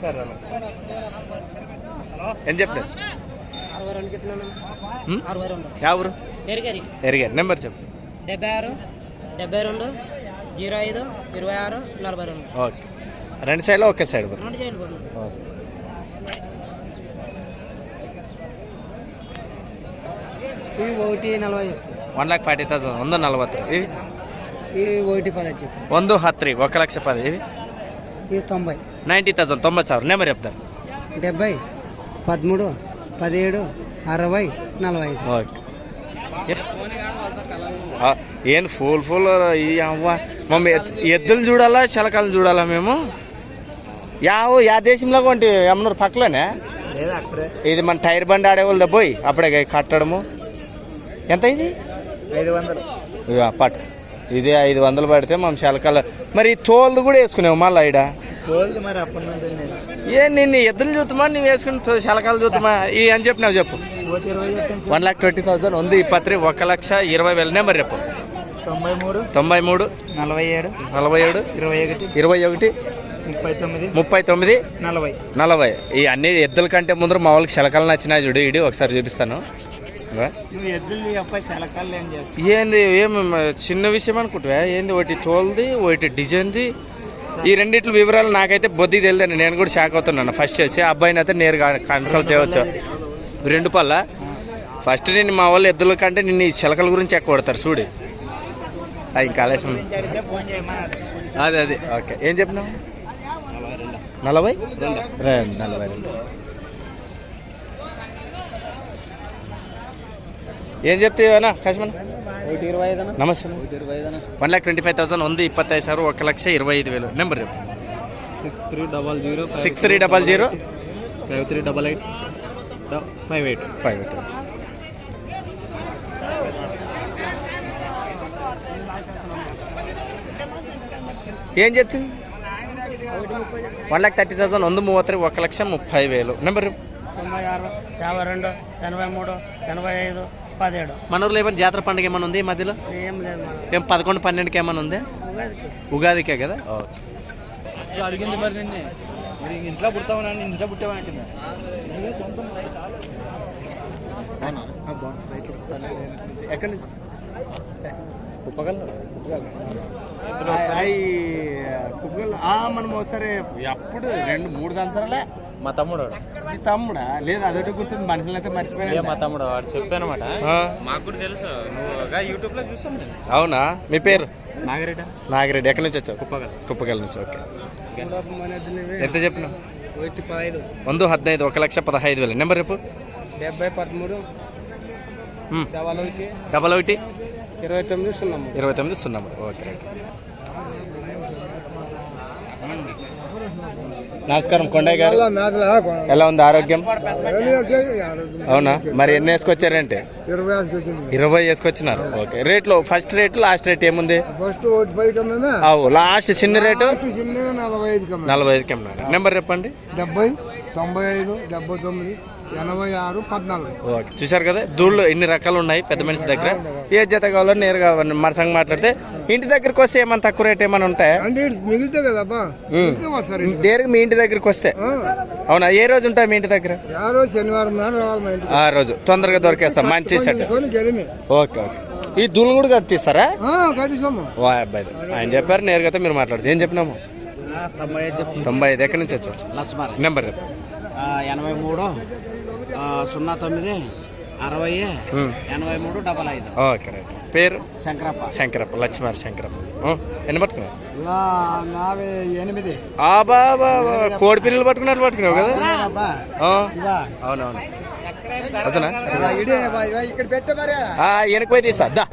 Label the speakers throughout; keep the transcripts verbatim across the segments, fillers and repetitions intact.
Speaker 1: ఎంత చెప్పిన ఎవరు ఎరిగారు నెంబర్ చెప్పు.
Speaker 2: డెబ్బై ఆరు డెబ్బై రెండు జీరో ఐదు ఇరవై ఆరు నలభై రెండు.
Speaker 1: ఓకే రెండు సైడ్లో ఒకే సైడ్
Speaker 2: రెండు సైడ్ ఇవి ఒకటి నలభై
Speaker 1: వన్ ల్యాక్ ఫార్టీ థౌసండ్ ಒಂದು ನಲ್ವತ್ತು ఇవి
Speaker 2: ఇవి ఒకటి పది చెప్పి
Speaker 1: ಒಂದು ಹತ್ತು ರೀ ఒక లక్ష పది ఇవి
Speaker 2: ఇవి తొంభై
Speaker 1: నైంటీ థౌసండ్ తొంభై ಸಾವಿರ నెంబర్ చెప్తారు.
Speaker 2: డెబ్బై పదమూడు పదిహేడు అరవై నలభై ఐదు.
Speaker 1: ఓకే ఏం ఫుల్ ఫుల్ ఈ అవ్వ మమ్మీ ఎద్దులు చూడాలా చిలకలు చూడాలా మేము యావు యా దేశంలో కొంటే ఏమన్నారు పక్కలోనే ఇది మన టైర్ బండి ఆడేవాళ్ళ పోయి అప్పుడే కట్టడము ఎంత ఇది
Speaker 2: ఐదు వందలు
Speaker 1: పట్టు ఇది ఐదు వందలు పడితే మనం చిలకలు మరి తోలు కూడా వేసుకునేవు మళ్ళీ ఇడ
Speaker 2: మరి అప్పటి
Speaker 1: ఏ నిన్ను ఎద్దులు చూద్దామా నువ్వు వేసుకుని చిలకలు చూద్దామా ఈ అని చెప్పినావు చెప్పు. వన్ ల్యాక్ ట్వంటీ థౌసండ్ ఉంది ఇప్పత్రి ఒక లక్ష ఇరవై వేల నెంబర్ చెప్పు.
Speaker 2: తొంభై మూడు
Speaker 1: తొంభై మూడు
Speaker 2: నలభై ఏడు
Speaker 1: నలభై ఏడు
Speaker 2: ఇరవై ఒకటి
Speaker 1: ఇరవై ఒకటి
Speaker 2: ముప్పై తొమ్మిది
Speaker 1: ముప్పై తొమ్మిది
Speaker 2: నలభై
Speaker 1: నలభై ఈ అన్ని ఎద్దుల కంటే ముందర మా వాళ్ళకి చిలకలు నచ్చినాయి చూడు ఇడి ఒకసారి చూపిస్తాను. ఏంది ఏం చిన్న విషయం అనుకుంటా ఏంది ఒకటి తోలుది ఒకటి డిజైన్ది ఈ రెండిట్ల వివరాలు నాకైతే బొద్ది తెలియదండి. నేను కూడా షాక్ అవుతున్నాను ఫస్ట్ చేసి అబ్బాయిని అయితే నేరుగా కన్సల్ట్ చేయవచ్చు. రెండు పళ్ళ ఫస్ట్ నేను మా వాళ్ళు ఎద్దుల కంటే నిన్ను ఈ చిలకల గురించి ఎక్కువ కొడతారు చూడు ఇంకా ఆలస్యం. అదే అదే ఓకే ఏం చెప్పినావు నలభై రెండు నలభై రెండు ఏం చెప్తావనా కశ్మన్ నమస్తే one lakh twenty five thousand ఉంది ఇప్పತ್ತೈದು ಸಾವಿರ ఒక లక్ష ఇరవై ఐదు వేలు నెంబర్ చెప్పు.
Speaker 2: Six three double zero
Speaker 1: six three double zero
Speaker 2: five three double eight five eight
Speaker 1: five eight ఏం చెప్తుంది వన్ ల్యాక్ థర్టీ థౌసండ్ ಒಂದು ಮೂವತ್ತು ఒక లక్ష ముప్పై వేలు నెంబర్
Speaker 2: తొంభై ఆరు యాభై రెండు ఎనభై మూడు ఎనభై ఐదు పదిహేడు.
Speaker 1: మన ఊర్లో ఏమైనా జాతర పండుగ ఏమైనా ఉంది ఈ మధ్యలో
Speaker 2: ఏం లేదు
Speaker 1: ఏం పదకొండు పన్నెండుకి ఏమైనా ఉంది ఉగాదికే కదా.
Speaker 2: అడిగింది మరి నిన్నే మరి ఇంట్లో పుడతామని ఇంట్లో పుట్టావా అంటున్నా
Speaker 1: ఎక్కడి నుంచి మనం ఒకసారి అప్పుడు రెండు మూడు సంవత్సరాలే
Speaker 2: మా తమ్ముడు
Speaker 1: మీ తమ్ముడా లేదు అదొకటి గుర్తుంది మనుషులు అయితే మర్చిపోయినా.
Speaker 2: మా తమ్ముడు వాడు చెప్పానమాట మాకు కూడా తెలుసు నువ్వు యూట్యూబ్ లో చూసాం.
Speaker 1: అవునా మీ పేరు
Speaker 2: నాగిరెడ్డి
Speaker 1: నాగిరెడ్డి ఎక్కడి నుంచి వచ్చావు
Speaker 2: కుప్పగల్
Speaker 1: కుప్పగల్ నుంచి. ఓకే ఎంత చెప్పినావు
Speaker 2: ఒకటి పదహైదు
Speaker 1: ಒಂದು ಹದಿನೈದು ఒక లక్ష పదహైదు వేలు నెంబర్ రేపు
Speaker 2: డెబ్బై పదమూడు డబల్ ఒకటి
Speaker 1: డబల్ ఒకటి
Speaker 2: ఇరవై తొమ్మిది సున్నా
Speaker 1: ఇరవై తొమ్మిది సున్నా ఓకే రైట్. నమస్కారం కొండయ్య గారు ఎలా ఉంది ఆరోగ్యం అవునా మరి ఎన్ని వేసుకొచ్చారంటే ఇరవై వేసుకొచ్చినారు. ఓకే రేట్లు ఫస్ట్ రేటు లాస్ట్ రేట్ ఏముంది లాస్ట్ చిన్న రేటు నలభై ఐదుకి అన్నారు నెంబర్ చెప్పండి
Speaker 2: డెబ్బై తొంభై ఐదు డెబ్బై తొమ్మిది ఎనభై ఆరు పద్నాలుగు.
Speaker 1: ఓకే చూసారు కదా దూళ్ళు ఇన్ని రకాలు ఉన్నాయి పెద్ద మనిషి దగ్గర ఏ జత కావాలో నేరుగా మన సంగ మాట్లాడితే ఇంటి దగ్గరికి వస్తే ఏమైనా తక్కువ రేట్ ఏమైనా ఉంటాయా
Speaker 2: మిగిలితే కదా
Speaker 1: నేరుగా మీ ఇంటి దగ్గరికి వస్తే అవునా ఏ రోజు ఉంటాయి మీ ఇంటి దగ్గర
Speaker 2: శనివారం
Speaker 1: ఆ రోజు తొందరగా దొరికేస్తాం మంచి సెట్. ఓకే ఓకే ఈ దూళ్ళు కూడా కట్టిస్తారా ఓ అబ్బాయి ఆయన చెప్పారు నేరుగా మీరు మాట్లాడచ్చు ఏం చెప్పినాము తొంభై ఐదు ఎక్కడి నుంచి వచ్చారు నెంబర్
Speaker 2: ఎనభై మూడు సున్నా తొమ్మిది అరవై ఎనభై మూడు డబల్ ఐదు.
Speaker 1: ఓకే రైట్ పేరు
Speaker 2: శంకరప్ప
Speaker 1: శంకరప్ప లక్ష్మారి శంకరప్ప ఎన్ని పట్టుకున్నావు
Speaker 2: ఎనిమిది
Speaker 1: బాబా కోడి పిల్లలు పట్టుకున్నట్టు పట్టుకున్నావు కదా అవునవును అసలు వెనక పోయి తీస్తా దా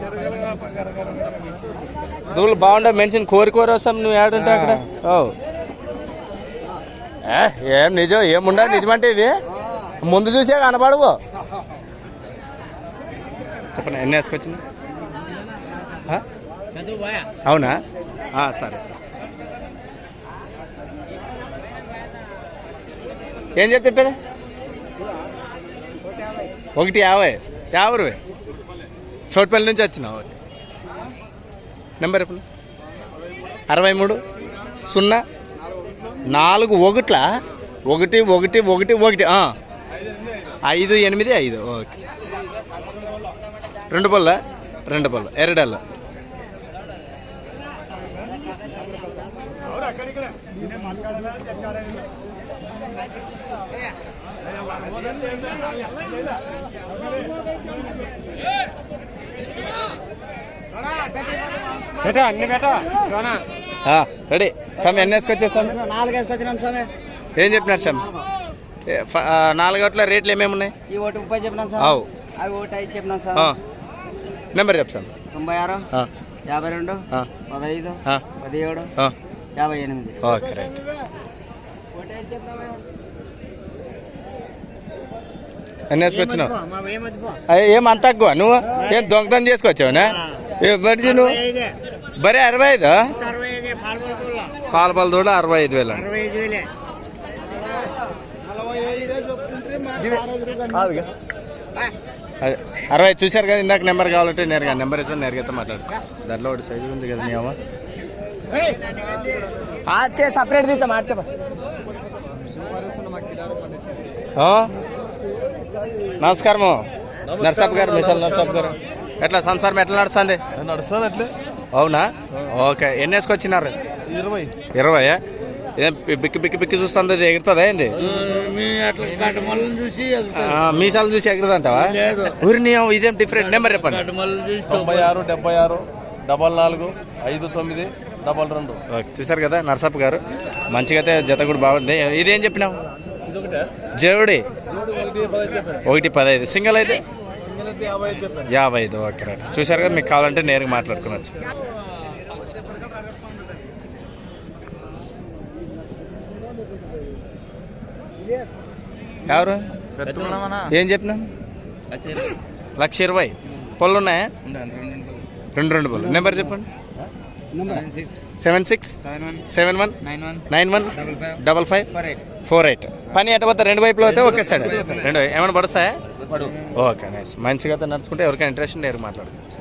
Speaker 1: దూళ్ళు బాగుండవు మెన్షన్ కోరి కోరి వస్తాం నువ్వు ఏడుంటా అక్కడ ఓ ఏం నిజం ఏముండా నిజమంటే ఇది ముందు చూసే కనపడవు చెప్పండి ఎన్ని వేసుకొచ్చింది అవునా సరే సరే ఏం చెప్పేది ఒకటి యాభై యాభై రూపాయ చోటుపల్లి నుంచి వచ్చినా ఓకే నెంబర్ చెప్పండి అరవై మూడు సున్నా నాలుగు ఒకట్ల ఒకటి ఒకటి ఒకటి ఒకటి ఆ. ఐదు ఎనిమిది ఐదు ఓకే. రెండు పళ్ళ రెండు పళ్ళ ఎరడల్ల రెడీ స్వామి ఎన్ని వేసుకొచ్చేసాను
Speaker 2: నాలుగు వేసుకొచ్చినాం స్వామి.
Speaker 1: ఏం చెప్పినారు స్వామి నాలుగోట్ల రేట్లు ఏమేమి ఉన్నాయి
Speaker 2: ఈ ఒకటి ముప్పై చెప్పినాం సార్.
Speaker 1: అవు
Speaker 2: అవి ఒకటి ఐదు చెప్పినాం సార్.
Speaker 1: నెంబర్ చెప్తాను
Speaker 2: తొంభై ఆరు యాభై రెండు పదహైదు పదిహేడు యాభై ఎనిమిది.
Speaker 1: Okay right. ఎన్ని వేసుకొచ్చినావు ఏం అంత తక్కువ నువ్వు ఏం దొంగతనం చేసుకొచ్చావునా బడ్జీ నువ్వు బరే అరవై ఐదు పాల పాల దూడ అరవై ఐదు వేలు అదే అరవై చూశారు కదా ఇందాక నెంబర్ కావాలంటే నేరుగా నెంబర్ ఇస్తాను నేరుగా మాట్లాడు దాంట్లో ఒకటి సైజు ఉంది కదా నీ అమ్మ
Speaker 2: ఆటే సపరేట్ తీస్తాం ఆటే.
Speaker 1: నమస్కారము నర్సప్ గారు మిసల్ నర్సప్ గారు ఎట్లా సంసారం ఎట్లా నడుస్తుంది
Speaker 2: నడుస్తుంది అట్లే.
Speaker 1: అవునా ఓకే ఎన్ని వేసుకొచ్చినారు
Speaker 2: ఇరవై
Speaker 1: ఇరవై ఏం బిక్కి బిక్కి బిక్కి చూస్తుంది అది ఎగురుతుందా ఏంది
Speaker 2: చూసి
Speaker 1: మీసాలు చూసి ఎగురుదంటావా ఊరి నీ ఇదేం డిఫరెంట్ నెంబర్ చెప్పండి
Speaker 2: తొంభై ఆరు డెబ్బై ఆరు డబల్ నాలుగు ఐదు తొమ్మిది డబల్ రెండు.
Speaker 1: ఓకే చూసారు కదా నర్సప్ గారు మంచిగా అయితే జత కూడా బాగుంది. ఇదేం చెప్పినావు జవుడి ఒకటి పదహైదు సింగిల్ అయితే యాభై ఐదు ఓకే రైట్. చూసారు కదా మీకు కావాలంటే నేరుగా మాట్లాడుకోవచ్చు. ఎవరు ఏం చెప్పినా లక్ష ఇరవై పళ్ళు ఉన్నాయా రెండు రెండు పళ్ళు. నెంబర్ చెప్పండి seven six seven one nine one double five four eight. పని ఎట్ట పోతా రెండు వైపులో అయితే ఓకే సైడ్ రెండు ఏమైనా పడుస్తాయా ఓకే నైస్. మంచిగా అయితే నడుచుకుంటే ఎవరికైనా ఇంట్రెస్ట్ నేరు మాట్లాడుకోవచ్చు.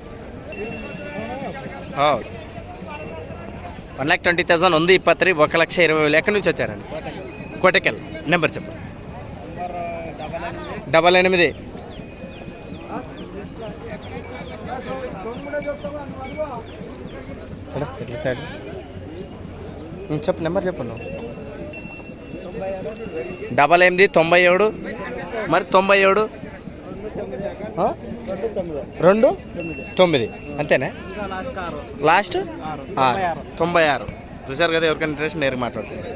Speaker 1: వన్ ల్యాక్ ట్వంటీ థౌసండ్ ఉంది ఇప్పత్రి ఒక లక్ష ఇరవై వేలు. ఎక్కడి నుంచి వచ్చారండి కోటకెల్. నెంబర్ చెప్పండి డబల్ ఎనిమిది ఎట్లా సైడ్ చెప్పు నెంబర్ చెప్పండి డబల్ ఎనిమిది తొంభై ఏడు మరి తొంభై ఏడు రెండు తొమ్మిది అంతేనా లాస్ట్ తొంభై ఆరు. చూసారు కదా ఎవరికైనా ఇంట్రెస్ట్ నేరుగా మాట్లాడుతున్నారు.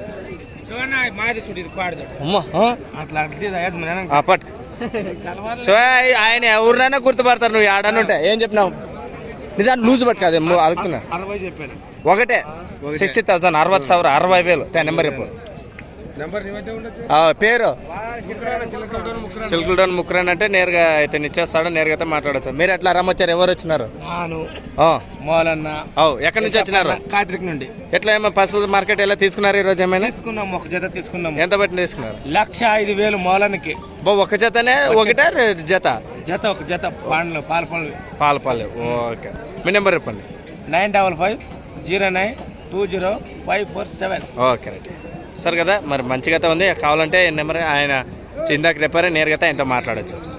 Speaker 1: పట్ సో ఆయన ఎవరినైనా గుర్తుపడతారు. నువ్వు ఆడని ఉంటాయి ఏం చెప్పినావు నిదాన్ని లూజ్ పట్టుకోదు అడుగుతున్నా ఒకటే సిక్స్టీ థౌసండ్ అరవై ಸಾವಿರ అరవై వేలు. నెంబర్ చెప్పు పేరు సిల్కుల్డోన్ ముక్రాన్ అంటే నేరుగా అయితే ఇచ్చేస్తాడు నేరుగా అయితే మాట్లాడచ్చు. మీరు ఎట్లా రమ్మొచ్చారు ఎవరు వచ్చినారు ఎక్కడి నుంచి వచ్చినారు
Speaker 2: కాత్రిక్ నుండి.
Speaker 1: ఎట్లా ఏమో పసులు మార్కెట్ ఎలా తీసుకున్నారు ఈ రోజు ఏమైనా
Speaker 2: తీసుకున్నాం ఒక జత తీసుకున్నాం.
Speaker 1: ఎంత బట్టి తీసుకున్నారు
Speaker 2: లక్ష ఐదు వేలు మూలానికి.
Speaker 1: బో ఒక జతనే ఒకటే జత
Speaker 2: జత ఒక జత పండ్లు పాల పళ్ళు
Speaker 1: పాల పళ్ళు ఓకే. మీ నెంబర్ చెప్పండి
Speaker 2: nine double five zero nine two zero five four seven.
Speaker 1: Okay right. సరే కదా మరి మంచిగా ఉంది కావాలంటే నెంబర్ ఆయన ఇందాక చెప్పారే నేరుగా ఆయనతో మాట్లాడచ్చు.